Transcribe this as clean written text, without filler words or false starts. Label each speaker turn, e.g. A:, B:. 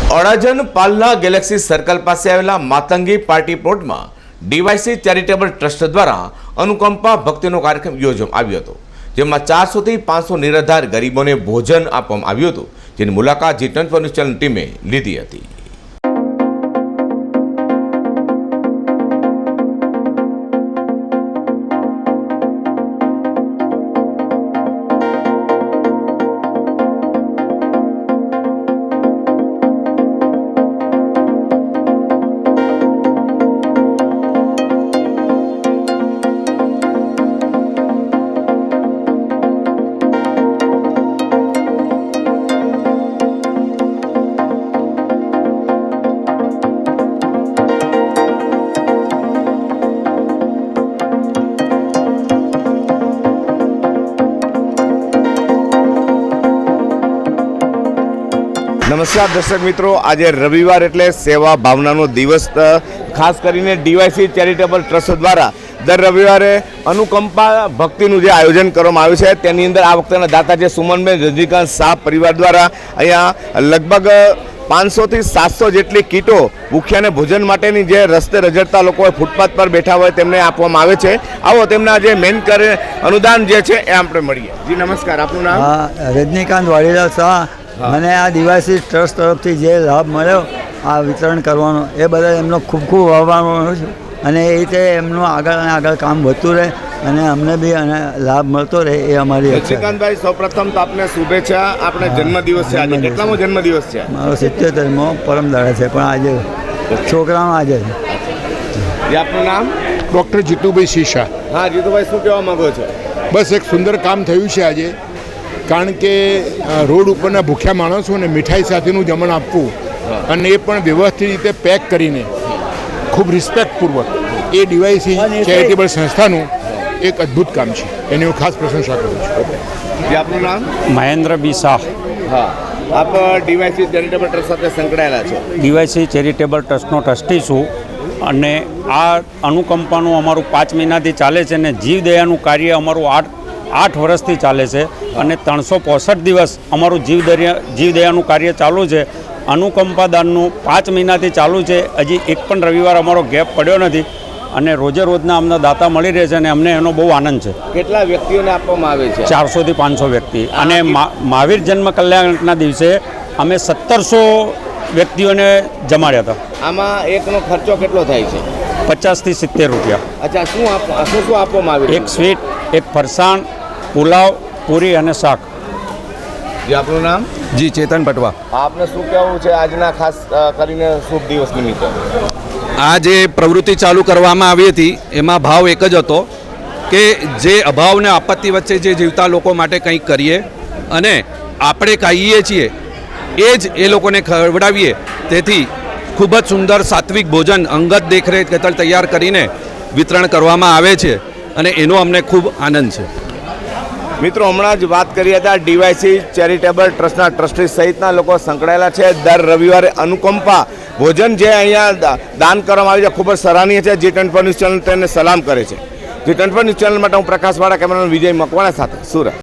A: Adajan પાલના Galaxy circle પાસે આવેલા Matangi party પ્લોટમાં ડીવાયસી ચેરિટેબલ ટ્રસ્ટ દ્વારા અનુકંપા ભક્તિનો કાર્યક્રમ યોજવામાં આવ્યો હતો, જેમાં 400 થી 500 નિરાધાર ગરીબોને ભોજન આપવામાં આવ્યું હતું, જેની મુલાકાત G24 ન્યૂઝ ચેનલ ટીમે લીધી હતી। નમસ્કાર દર્શક મિત્રો, આજે રવિવાર એટલે સેવા ભાવનાનો દિવસ। ખાસ કરીને ડીવાયસી ચેરિટેબલ ટ્રસ્ટ દ્વારા દર રવિવારે અનુકંપા ભક્તિનું જે આયોજન કરવામાં આવ્યું છે, તેની અંદર આ વખતેના દાતા છે સુમનબેન રજનીકાંત શાહ પરિવાર દ્વારા અહીંયા લગભગ 500 થી 700 જેટલી કીટો ભૂખ્યાને ભોજન માટેની જે રસ્તે રજડતા લોકો ફૂટપાથ પર બેઠા હોય તેમને આપવામાં આવે છે। આવો તેમના જે મેન અનુદાન જે છે એ આપણે મળીએ। જી નમસ્કાર, આપનું નામ?
B: રજનીકાંત વાડીલાલ શાહ। મને આ ડીવાયસી ટ્રસ્ટ તરફથી જે લાભ મળ્યો આ વિતરણ કરવાનો, એ બદલ એમનો ખૂબ ખૂબ આભાર માનું છું, અને એ રીતે એમનું આગળ અને આગળ કામ વધતું રહે અને અમને બી લાભ મળતો રહે, એ અમારી ઈચ્છા છે।
A: રજનીકાંતભાઈ, સૌપ્રથમ તો આપને શુભેચ્છા। આપણે જન્મદિવસ છે આજે, કેટલામો જન્મદિવસ છે?
B: મારો 77મો પરમ દાડે છે, પણ આજે છોકરાનો આજે છે।
A: આપનું નામ?
C: ડૉક્ટર જીતુભાઈ શીશા।
A: હા જીતુભાઈ, શું કહેવા માંગો છો?
C: બસ એક સુંદર કામ થયું છે આજે, કારણ કે રોડ ઉપરના ભૂખ્યા માણસોને મીઠાઈ સાથેનું જમણ આપવું, અને એ પણ વ્યવસ્થિત રીતે પેક કરીને ખૂબ રિસ્પેક્ટપૂર્વક, એ ડીવાયસી ચેરિટેબલ સંસ્થાનું એક અદ્ભુત કામ છે, એની હું ખાસ પ્રશંસા કરું છું।
A: આપનું નામ?
D: મહેન્દ્ર બી શાહ।
A: હા, આપ ડીવાયસી ચેરિટેબલ ટ્રસ્ટ સાથે સંકળાયેલા છો?
D: ડીવાયસી ચેરિટેબલ ટ્રસ્ટનો ટ્રસ્ટી છું, અને આ અનુકંપાનું અમારું 5 મહિનાથી ચાલે છે, અને જીવદયાનું કાર્ય અમારું 8 વર્ષથી ચાલે છે, અને 365 દિવસ અમારું જીવદયાનું કાર્ય ચાલુ છે। અનુકંપા દાનનું 5 મહિનાથી ચાલુ છે, હજી એક પણ રવિવાર અમારો ગેપ પડ્યો નથી, અને રોજે રોજના અમને દાતા મળી રહે છે, અને અમને એનો બહુ આનંદ છે।
A: કેટલા વ્યક્તિઓને આપવામાં આવે છે?
D: 400 થી 500 વ્યક્તિ, અને મહાવીર જન્મ કલ્યાણના દિવસે અમે 1700 વ્યક્તિઓને જમાડ્યા હતા।
A: આમાં એકનો ખર્ચો કેટલો થાય છે?
D: 50 થી 70 રૂપિયા।
A: અચ્છા, શું આપવામાં આવે છે?
D: એક સ્વીટ, એક ફરસાણ, પુલાવ, પૂરી અને શાક।
A: જી આપનું નામ?
E: જી ચેતન પટવા।
A: આપને શું કહેવું છે આજના ખાસ કરીને શુભ દિવસ નિમિત્તે?
E: આ જે પ્રવૃત્તિ ચાલુ કરવામાં આવી હતી એમાં ભાવ એક જ હતો કે જે અભાવ અને આપત્તિ વચ્ચે જે જીવતા લોકો માટે કંઈક કરીએ, અને આપણે ખાઈએ છીએ એ જ એ લોકોને ખવડાવીએ। તેથી ખૂબ જ સુંદર સાત્વિક ભોજન અંગત દેખરેખ હેઠળ તૈયાર કરીને વિતરણ કરવામાં આવે છે, અને એનો અમને ખૂબ આનંદ છે।
A: મિત્રો, હમણાં જ વાત કરી હતા ડીવાયસી ચેરિટેબલ ટ્રસ્ટના ટ્રસ્ટી સહિતના લોકો સંકળાયેલા છે। દર રવિવારે અનુકંપા ભોજન જે અહીંયા દાન કરવામાં આવે છે, ખૂબ જ સરાહનીય છે। G24 ન્યૂઝ ચેનલ તેને સલામ કરે છે। G24 ન્યૂઝ ચેનલ માટે હું પ્રકાશવાળા, કેમેરામેન વિજય મકવાણા સાથે સુરત।